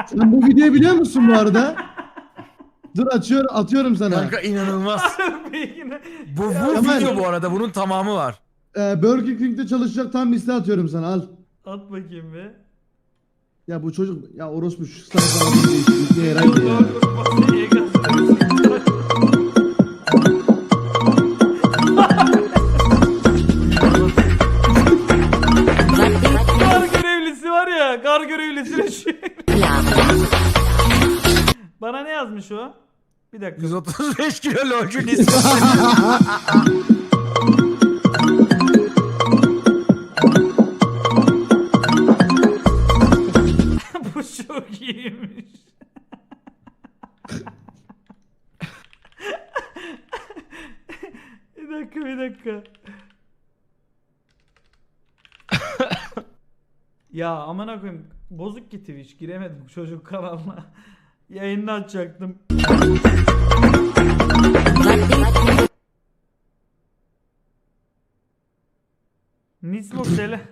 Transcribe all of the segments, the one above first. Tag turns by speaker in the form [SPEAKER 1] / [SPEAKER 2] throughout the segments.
[SPEAKER 1] Sen bu videoyu biliyor musun bu arada? Dur atıyorum sana.
[SPEAKER 2] Kanka inanılmaz. Bu
[SPEAKER 1] Kemal.
[SPEAKER 2] video bu arada, bunun tamamı var.
[SPEAKER 1] Burger King'de çalışacak tam liste atıyorum sana, al.
[SPEAKER 3] At bakayım be.
[SPEAKER 1] Ya bu çocuk ya orospu şu sana değişikliği herhalde ya.
[SPEAKER 3] Kar görevlisi var ya, kar görevlisine şu. Bana ne yazmış o? Bir dakika.
[SPEAKER 2] 135 kilo lolcun ismi.
[SPEAKER 3] Bu çok iyiymiş. Bir dakika. Ya amına koyayım, bozuk ki Twitch, giremedim çocuk kanalına. Yayını açacaktım. Nismo Sele.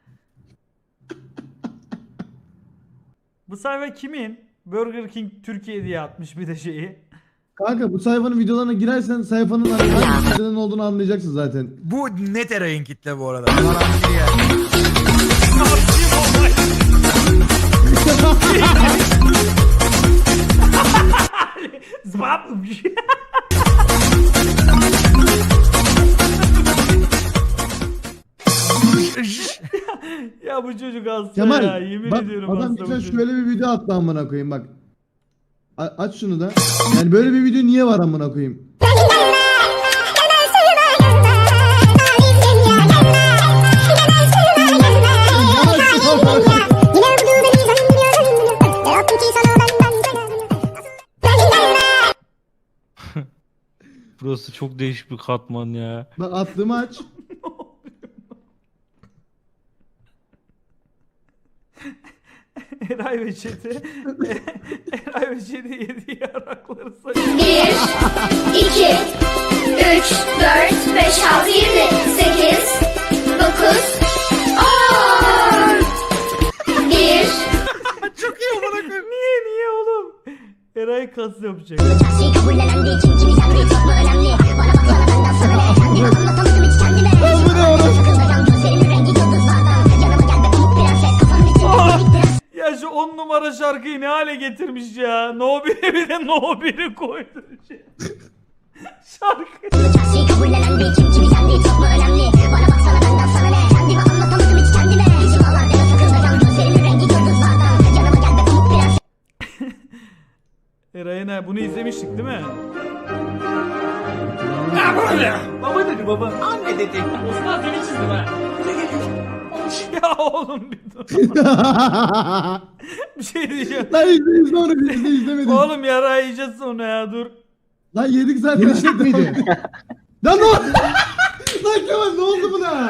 [SPEAKER 3] Bu sayfa kimin? Burger King Türkiye diye atmış bir de şeyi.
[SPEAKER 1] Kanka bu sayfanın videolarına girersen sayfanın hangi siteden olduğunu anlayacaksın zaten.
[SPEAKER 2] Bu net Eray'ın kitle bu arada. Garanti yani.
[SPEAKER 3] Zbap. Ya bu çocuk hasta
[SPEAKER 1] Kemal
[SPEAKER 3] ya, yemin
[SPEAKER 1] bak
[SPEAKER 3] ediyorum
[SPEAKER 1] adam
[SPEAKER 3] hasta bu
[SPEAKER 1] geçen
[SPEAKER 3] çocuk.
[SPEAKER 1] şöyle bir video attı amına koyayım bak. Aç şunu da. Yani böyle bir video niye var amına koyayım?
[SPEAKER 4] Burası çok değişik bir katman ya.
[SPEAKER 1] Bak attığımı aç.
[SPEAKER 3] Eray ve Çeti. Eray ve Çeti yediği yarakları sayıyor.
[SPEAKER 5] 1, 2, 3, 4, 5, 6, 7, 8, 9, 10. 1.
[SPEAKER 2] Çok iyi amına koyayım.
[SPEAKER 3] Niye oğlum? Eray kas yapacak.
[SPEAKER 5] Şey kabullenendi için kimi sen de çok mu önemli? Bana baksana benden sana ne? Bir anlatamadım hiç kendime.
[SPEAKER 1] Bu ne oğlum?
[SPEAKER 5] Takılacağım gözlerimin rengi yıldızlardan. Yanıma gel be pamuk prenses kafanın içinde.
[SPEAKER 3] Ya şu 10 numara şarkıyı ne hale getirmiş ya. No 1'e bir de No 1'i koydu. Şarkı.
[SPEAKER 5] Şey kabullenendi için kimi sen de çok mu önemli? Bana baksana benden sana ne? Kendime anlatamadım hiç kendime. İçim ağlar deme takılacağım gözlerimin rengi yıldızlardan. Yanıma gel be pamuk prenses.
[SPEAKER 3] Eray'ın bunu izlemiştik değil mi?
[SPEAKER 6] Baba dedi baba. Anne dedi. Osman seni çizdim ha.
[SPEAKER 3] Ya oğlum bir dur. Bir şey diyeceğim.
[SPEAKER 1] Lan izle onu biz de izlemedik.
[SPEAKER 3] Oğlum yara yiyeceğiz sonra ya, dur.
[SPEAKER 1] Lan yedik zaten. Yemiştik miydi? Lan ne oldu? Lan Kemal ne oldu buna?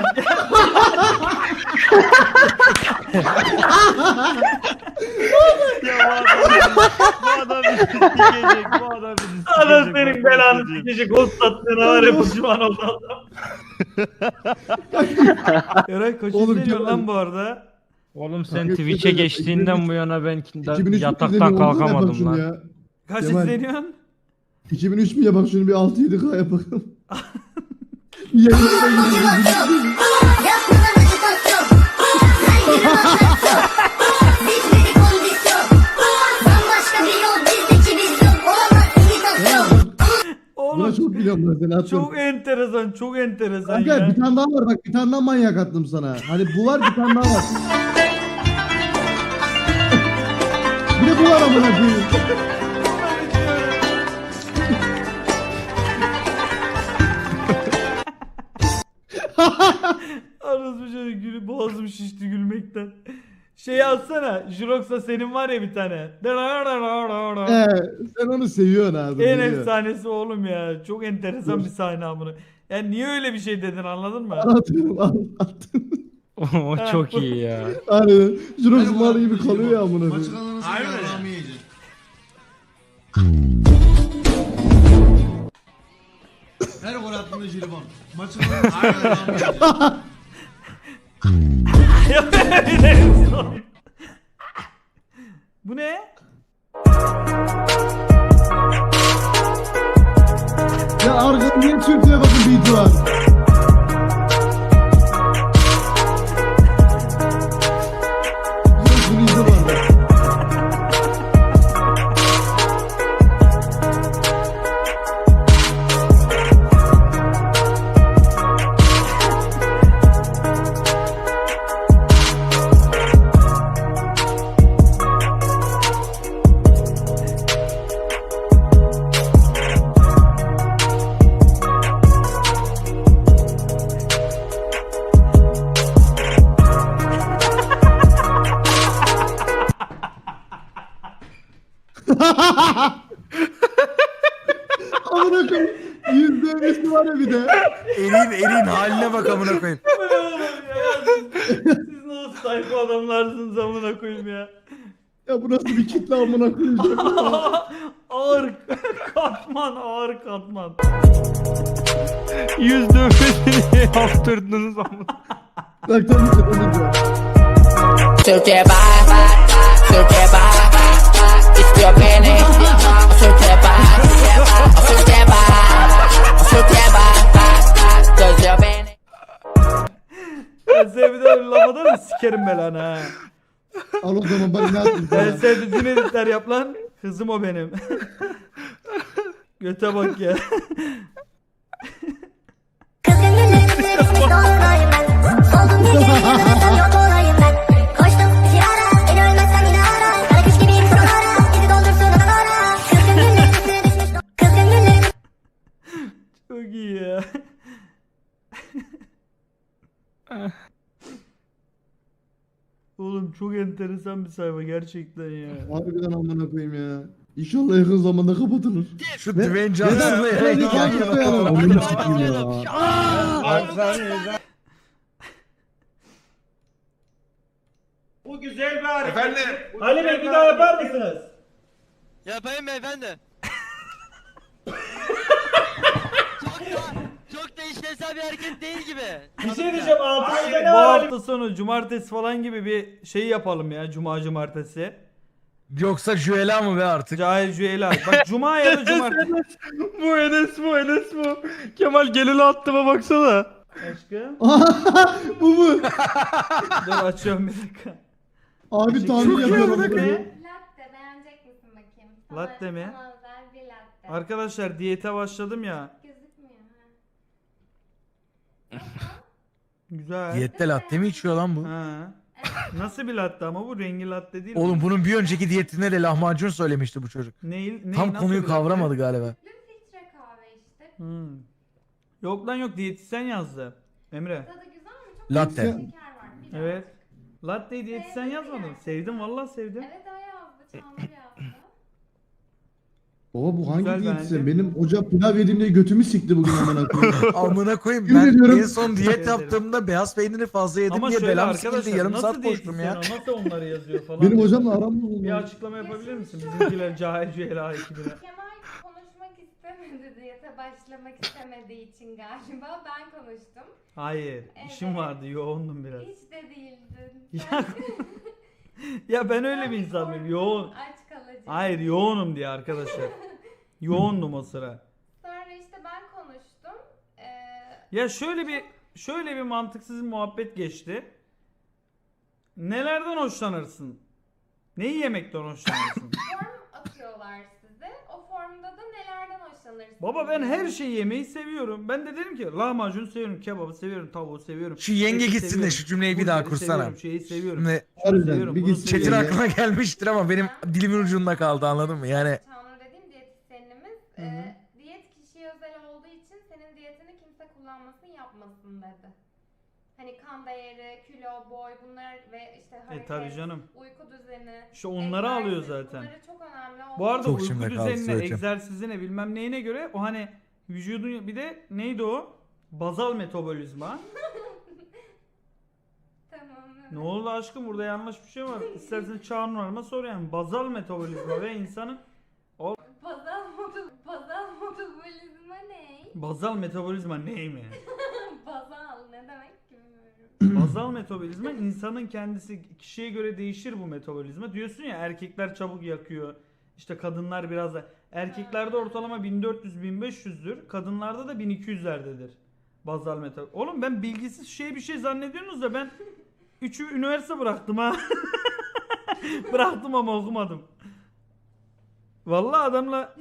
[SPEAKER 4] Bu adam bizi sikecek. Bu adam bizi sikecek.
[SPEAKER 3] Ana senin belanı sikecek, ghost attığına var ya, pişman oldu adam. Eray kaç
[SPEAKER 1] Oğlum,
[SPEAKER 3] izleniyor
[SPEAKER 1] Kemal.
[SPEAKER 3] lan bu arada?
[SPEAKER 4] Oğlum sen
[SPEAKER 1] Kanka,
[SPEAKER 4] Twitch'e
[SPEAKER 1] 2003
[SPEAKER 4] geçtiğinden bu yana ben
[SPEAKER 1] 2003
[SPEAKER 4] yataktan kalkamadım lan.
[SPEAKER 1] Ya.
[SPEAKER 3] Kaç
[SPEAKER 1] Kemal.
[SPEAKER 3] izleniyorsun?
[SPEAKER 1] 2003 mü ya, bak şunu bir 6-7K yapalım. Bir yayınlara gidelim.
[SPEAKER 3] Oğlum
[SPEAKER 1] Buna çok biliyorum ben seni atıyorum.
[SPEAKER 3] çok enteresan, çok enteresan
[SPEAKER 1] Kanka
[SPEAKER 3] ya.
[SPEAKER 1] bir tane daha var bak, bir tane daha manyak attım sana. Hani bu var, bir tane daha var. Bir de bu var amına koyayım.
[SPEAKER 3] Arası şöyle boğazım şişti gülmekten. Şey alsana, Jirox'a senin var ya bir tane.
[SPEAKER 1] Sen onu seviyorsun abi.
[SPEAKER 3] En
[SPEAKER 1] biliyorum.
[SPEAKER 3] efsanesi oğlum ya. Çok enteresan bir sahne amına. Yani niye öyle bir şey dedin, anladın mı?
[SPEAKER 1] Atıyorum attım.
[SPEAKER 4] O çok iyi ya.
[SPEAKER 1] Aynen. Jirox mal gibi kalıyor ya amına koyayım.
[SPEAKER 7] Her gol attığında jelibon. Maçın
[SPEAKER 3] Bu ne?
[SPEAKER 1] Arkada niye Türkiye bakın beat'i var. Bunu izle bana. Amına koyayım. %50'si var ya bir de.
[SPEAKER 2] Eriğin haline bak amına koyayım.
[SPEAKER 3] Bu ne oğlum ya? Siz nasıl sayfa adamlarsınız amına koyayım ya.
[SPEAKER 1] Ya bu nasıl bir kitle amına koyayım.
[SPEAKER 3] Ağır katman, ağır katman.
[SPEAKER 4] Yüz dövmesini yaptırdınız ama.
[SPEAKER 1] Bak tam bir şey.
[SPEAKER 8] Türkiye bak, Türkiye bak, istiyor beni. Türkiye bak, Türkiye bak, Türkiye bak, gözüyor beni.
[SPEAKER 3] Ben sevdi öyle laf atar mı sikerim belanı ha.
[SPEAKER 1] Al o zaman bak ne yapayım
[SPEAKER 3] Ben
[SPEAKER 1] sana.
[SPEAKER 3] sevdiğin editler yap lan. Kızım o benim. Göte bak ya.
[SPEAKER 5] Kızgın günlerimde düşmüş dolunayım ben. Oldum gece yok olayım ben. Koştum bir ara beni ölmezsem yine ara. Kara kış gibiyim sonlara bizi doldursun adalara. Kızgın günlerimde düşmüş kızgın günlerimde.
[SPEAKER 3] Çok iyi ya. Oğlum çok enteresan bir sayfa gerçekten ya.
[SPEAKER 1] Harbiden amına koyayım ya. İnşallah yakın zamanda kapatılır.
[SPEAKER 2] Şu
[SPEAKER 1] Ve-
[SPEAKER 2] Dwayne
[SPEAKER 1] Ya
[SPEAKER 2] Johnson'la
[SPEAKER 1] da-
[SPEAKER 2] yan
[SPEAKER 1] ya da-
[SPEAKER 2] yana.
[SPEAKER 1] ya da- Amına sikeyim ya.
[SPEAKER 6] Bu güzel bir hareket. Efendim.
[SPEAKER 3] Ali Bey bir daha yapar mısınız?
[SPEAKER 9] Yapayım beyefendi. çok da işlevsel bir hareket değil gibi.
[SPEAKER 3] Bir şey diyeceğim altımızda ne var? Bu hafta sonu cumartesi falan gibi bir şey yapalım ya. Cuma cumartesi.
[SPEAKER 2] Yoksa Jüela mı be artık?
[SPEAKER 3] Cahil Cüeyla. Bak cuma ya da cumartesi.
[SPEAKER 4] Bu Enes bu. Kemal gelin attıma baksana.
[SPEAKER 3] Aşkım.
[SPEAKER 1] Bu.
[SPEAKER 3] Dur açıyorum bir dakika.
[SPEAKER 1] Abi tahmin yapıyorum.
[SPEAKER 3] Ne?
[SPEAKER 10] Latte beğenecek misin bakayım?
[SPEAKER 3] Latte mi?
[SPEAKER 10] Sana özel bir latte.
[SPEAKER 3] Arkadaşlar diyete başladım ya.
[SPEAKER 10] Gözükmüyor ha.
[SPEAKER 3] Güzel.
[SPEAKER 2] Diyette latte mi içiyor lan bu?
[SPEAKER 3] Ha. Nasıl bir latte ama bu rengi latte değil
[SPEAKER 2] Oğlum
[SPEAKER 3] mi?
[SPEAKER 2] bunun bir önceki diyetinde de lahmacun söylemişti bu çocuk. Tam
[SPEAKER 3] nasıl
[SPEAKER 2] konuyu
[SPEAKER 3] bir latte?
[SPEAKER 2] kavramadı galiba.
[SPEAKER 10] Filtre kahve işte.
[SPEAKER 3] Hmm. Yok lan yok diyetisyen yazdı. Emre.
[SPEAKER 10] Tadı güzel mi? Çok
[SPEAKER 2] Latte.
[SPEAKER 10] şeker var. Biraz.
[SPEAKER 3] Evet. Latte'yi diyetisyen yazmadım. Sevdim vallahi sevdim.
[SPEAKER 10] Evet o yazdı. Çağmur yazdı.
[SPEAKER 1] Baba bu hangi
[SPEAKER 3] Güzel
[SPEAKER 1] diyetisyen?
[SPEAKER 3] bence.
[SPEAKER 1] Benim hoca pilav yedim diye götümü sikti bugün amına koyayım.
[SPEAKER 2] Amına koyayım
[SPEAKER 1] Yemin
[SPEAKER 2] ben
[SPEAKER 1] ediyorum.
[SPEAKER 2] en son
[SPEAKER 3] Teşekkür
[SPEAKER 2] diyet
[SPEAKER 3] ederim.
[SPEAKER 2] yaptığımda beyaz peyniri fazla yedim
[SPEAKER 3] Ama
[SPEAKER 2] diye
[SPEAKER 3] şöyle
[SPEAKER 2] belam
[SPEAKER 3] arkadaşlar
[SPEAKER 2] sikildi yarım
[SPEAKER 3] nasıl
[SPEAKER 2] saat koştum ya.
[SPEAKER 3] diyetisyen o? Nasıl onları yazıyor falan.
[SPEAKER 1] Benim hocamla aram mı
[SPEAKER 3] Bir
[SPEAKER 1] oldu?
[SPEAKER 3] açıklama yapabilir misin? Bizimkiler cahil cühela ekibine.
[SPEAKER 10] Kemal konuşmak istemedi diyete başlamak istemediği için galiba ben konuştum.
[SPEAKER 3] Hayır. işim vardı. Yoğundum biraz.
[SPEAKER 10] Hiç de değildin.
[SPEAKER 3] Ya, ya ben öyle bir insan mıyım? Yoğun.
[SPEAKER 10] Aç kalıcı.
[SPEAKER 3] Hayır yoğunum diye arkadaşlar. Yoğundum o sıra.
[SPEAKER 10] Sonra işte ben konuştum.
[SPEAKER 3] Ya şöyle bir mantıksız muhabbet geçti. Nelerden hoşlanırsın? Neyi yemekten hoşlanırsın?
[SPEAKER 10] Form atıyorlar size. O formda da nelerden hoşlanırsınız?
[SPEAKER 3] Baba ben her şeyi yemeyi seviyorum. Ben de dedim ki lahmacun seviyorum, kebabı seviyorum, tavuğu seviyorum.
[SPEAKER 2] Şu yenge
[SPEAKER 3] eti
[SPEAKER 2] gitsin de
[SPEAKER 3] seviyorum,
[SPEAKER 2] şu cümleyi bir daha
[SPEAKER 3] burgeri
[SPEAKER 2] kursana.
[SPEAKER 3] seviyorum, şeyi seviyorum.
[SPEAKER 2] Şimdi
[SPEAKER 3] seviyorum,
[SPEAKER 1] Harbiden bir
[SPEAKER 3] bunu
[SPEAKER 1] gitsin
[SPEAKER 2] Çetin
[SPEAKER 3] seviyorum.
[SPEAKER 1] yenge.
[SPEAKER 2] aklına gelmiştir ama benim dilimin ucunda kaldı anladın mı? Yani
[SPEAKER 10] Çağnur dediğim diyetisyenimiz
[SPEAKER 3] hı.
[SPEAKER 10] diyet kişiye özel olduğu için senin diyetini kimse kullanmasın yapmasın dedi. Hani kan değeri, kilo, boy bunlar ve işte hareket,
[SPEAKER 3] tabii canım.
[SPEAKER 10] uyku düzeni.
[SPEAKER 3] İşte onları
[SPEAKER 10] egzersiz,
[SPEAKER 3] alıyor zaten.
[SPEAKER 10] Bunları çok önemli olduğu
[SPEAKER 3] Bu arada
[SPEAKER 2] Çok
[SPEAKER 3] uyku
[SPEAKER 2] şimdi kaldı
[SPEAKER 3] düzenine,
[SPEAKER 2] söyleyeceğim.
[SPEAKER 3] egzersizine bilmem neyine göre o hani vücudun bir de neydi o? Bazal metabolizma.
[SPEAKER 10] Tamam.
[SPEAKER 3] Ne oldu aşkım burada yanlış bir şey var. İstersen Çağnur Hanım'a sor yani. Bazal metabolizma ve insanın
[SPEAKER 10] Bazal metabolizma ne?
[SPEAKER 3] bazal metabolizma ney mi?
[SPEAKER 10] Bazal ne demek ki bilmiyorum.
[SPEAKER 3] Bazal metabolizma insanın kendisi kişiye göre değişir bu metabolizma. Diyorsun ya erkekler çabuk yakıyor. İşte kadınlar biraz da erkeklerde ortalama 1400-1500'dür. Kadınlarda da 1200'lerdedir. Bazal metal. Oğlum ben bilgisiz bir şey zannediyorsunuz da ben 3'ü üniversite bıraktım ha. Bıraktım ama okumadım. Vallahi adamla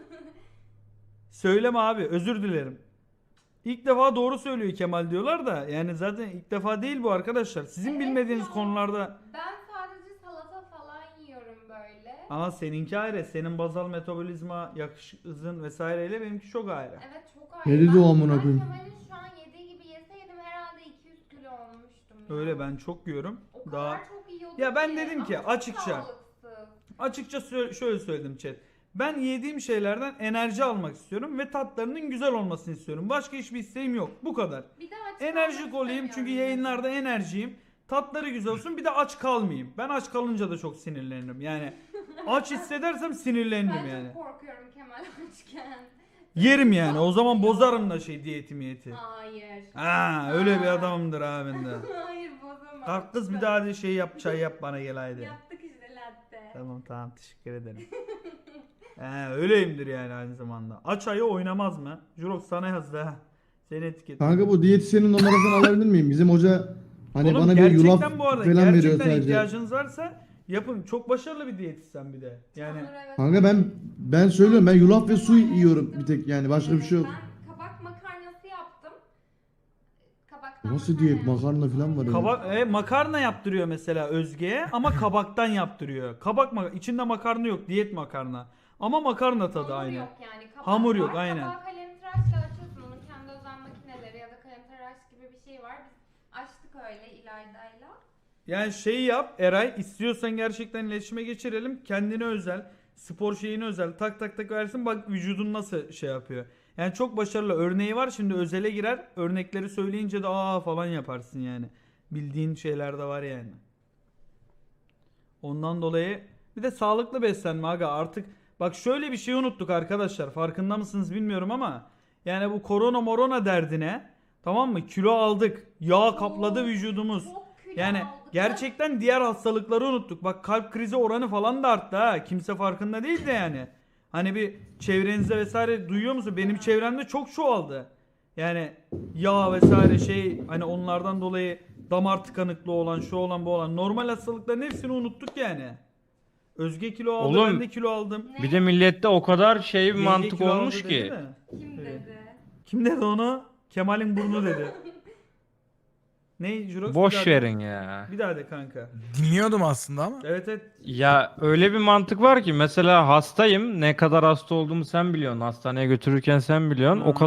[SPEAKER 3] söyleme abi, özür dilerim. İlk defa doğru söylüyor Kemal diyorlar da yani zaten ilk defa değil bu arkadaşlar. Sizin
[SPEAKER 10] Evet
[SPEAKER 3] bilmediğiniz
[SPEAKER 10] ya.
[SPEAKER 3] konularda.
[SPEAKER 10] Ben sadece salata falan yiyorum böyle.
[SPEAKER 3] Ama seninki ayrı. Senin bazal metabolizma, yakış hızın vesaireyle benimki çok ayrı.
[SPEAKER 10] Evet çok ayrı.
[SPEAKER 1] Ne dedi o
[SPEAKER 10] Ben-
[SPEAKER 1] amına
[SPEAKER 10] ben
[SPEAKER 1] koyayım?
[SPEAKER 10] Kemal'in şu an yediği gibi yeseydim herhalde 200 kilo olmuştum. ya.
[SPEAKER 3] Öyle ben çok yiyorum.
[SPEAKER 10] O kadar
[SPEAKER 3] Daha
[SPEAKER 10] çok yiyordum
[SPEAKER 3] Ya ben
[SPEAKER 10] ki.
[SPEAKER 3] dedim ki
[SPEAKER 10] Ama çok
[SPEAKER 3] açıkça.
[SPEAKER 10] sağlıksız.
[SPEAKER 3] Açıkça şöyle söyledim chat. Ben yediğim şeylerden enerji almak istiyorum ve tatlarının güzel olmasını istiyorum. Başka hiçbir isteğim yok. Bu kadar.
[SPEAKER 10] Bir de aç
[SPEAKER 3] Enerjik
[SPEAKER 10] kalmak
[SPEAKER 3] olayım çünkü
[SPEAKER 10] istemiyorum.
[SPEAKER 3] yayınlarda enerjiyim. Tatları güzel olsun. Bir de aç kalmayayım. Ben aç kalınca da çok sinirlenirim. Yani aç hissedersem sinirlenirim
[SPEAKER 10] Ben
[SPEAKER 3] yani.
[SPEAKER 10] çok korkuyorum Kemal açken.
[SPEAKER 3] Yerim yani. O zaman bozarım da diyeti.
[SPEAKER 10] Hayır.
[SPEAKER 3] Ha öyle bir adamımdır abi ben de.
[SPEAKER 10] Hayır bozamam.
[SPEAKER 3] Kalk kız bir daha hadi çay yap bana gel haydi.
[SPEAKER 10] Yaptık işte latte.
[SPEAKER 3] Tamam teşekkür ederim. Öyleyimdir yani aynı zamanda. Aç ayı oynamaz mı? Jurox sana yazdı ha. Seni etiket.
[SPEAKER 1] Kanka bu diyetisyenin numarasını alabilir miyim? Bizim hoca hani
[SPEAKER 3] Oğlum,
[SPEAKER 1] bana bir yulaf
[SPEAKER 3] gerçekten bu arada
[SPEAKER 1] falan veriyor
[SPEAKER 3] gerçekten
[SPEAKER 1] sadece.
[SPEAKER 3] ihtiyacınız varsa yapın. Çok başarılı bir diyetisyen bir de. Yani
[SPEAKER 10] Olur, evet.
[SPEAKER 1] Kanka ben söylüyorum, ben yulaf ve su yiyorum bir tek, yani başka bir şey yok.
[SPEAKER 10] Ben kabak makarnası yaptım. Kabaktan
[SPEAKER 1] Nasıl diyet,
[SPEAKER 10] yaptım.
[SPEAKER 1] makarna falan var ya.
[SPEAKER 3] makarna yaptırıyor mesela Özge'ye ama kabaktan yaptırıyor. İçinde makarna yok, diyet makarna. Ama makarna tadı
[SPEAKER 10] Hamur
[SPEAKER 3] aynı.
[SPEAKER 10] yok yani. Kabak
[SPEAKER 3] Hamur yok,
[SPEAKER 10] var.
[SPEAKER 3] aynen.
[SPEAKER 10] Kabağı kalemtıraşla açıyorsun. Onun kendi özel makineleri ya da kalemtıraş gibi bir şey var. Biz açtık öyle İlayda'yla.
[SPEAKER 3] Yani yap Eray, istiyorsan gerçekten iletişime geçirelim. Kendine özel, spor şeyine özel tak versin, bak vücudun nasıl yapıyor. Yani çok başarılı örneği var, şimdi özele girer. Örnekleri söyleyince de falan yaparsın yani. Bildiğin şeyler de var yani. Ondan dolayı bir de sağlıklı beslenme aga artık. Bak şöyle bir şey unuttuk arkadaşlar, farkında mısınız bilmiyorum ama yani bu korona derdine, tamam mı, kilo aldık, yağ kapladı vücudumuz.
[SPEAKER 10] Çok kilo
[SPEAKER 3] Yani
[SPEAKER 10] aldık.
[SPEAKER 3] gerçekten diğer hastalıkları unuttuk. Bak kalp krizi oranı falan da arttı ha. Kimse farkında değil de yani. Hani bir çevrenizde vesaire duyuyor musun? Benim çevremde çok çoğaldı. Yani yağ vesaire hani onlardan dolayı damar tıkanıklığı olan, şu olan, bu olan normal hastalıkların hepsini unuttuk yani. Özge kilo aldı,
[SPEAKER 4] Oğlum,
[SPEAKER 3] ben de kilo aldım.
[SPEAKER 4] Bir de millette o kadar bir
[SPEAKER 3] Yenge
[SPEAKER 4] mantık
[SPEAKER 3] kilo aldı
[SPEAKER 4] olmuş
[SPEAKER 3] dedi
[SPEAKER 4] ki.
[SPEAKER 3] mi?
[SPEAKER 10] Kim dedi?
[SPEAKER 3] Kim dedi onu? Kemal'in burnu dedi. Ne Jurox?
[SPEAKER 4] Boş verin ya.
[SPEAKER 3] Bir daha de kanka.
[SPEAKER 2] Dinliyordum aslında ama.
[SPEAKER 3] Evet.
[SPEAKER 4] Ya öyle bir mantık var ki mesela hastayım. Ne kadar hasta olduğumu sen biliyorsun. Hastaneye götürürken sen biliyorsun. O kadar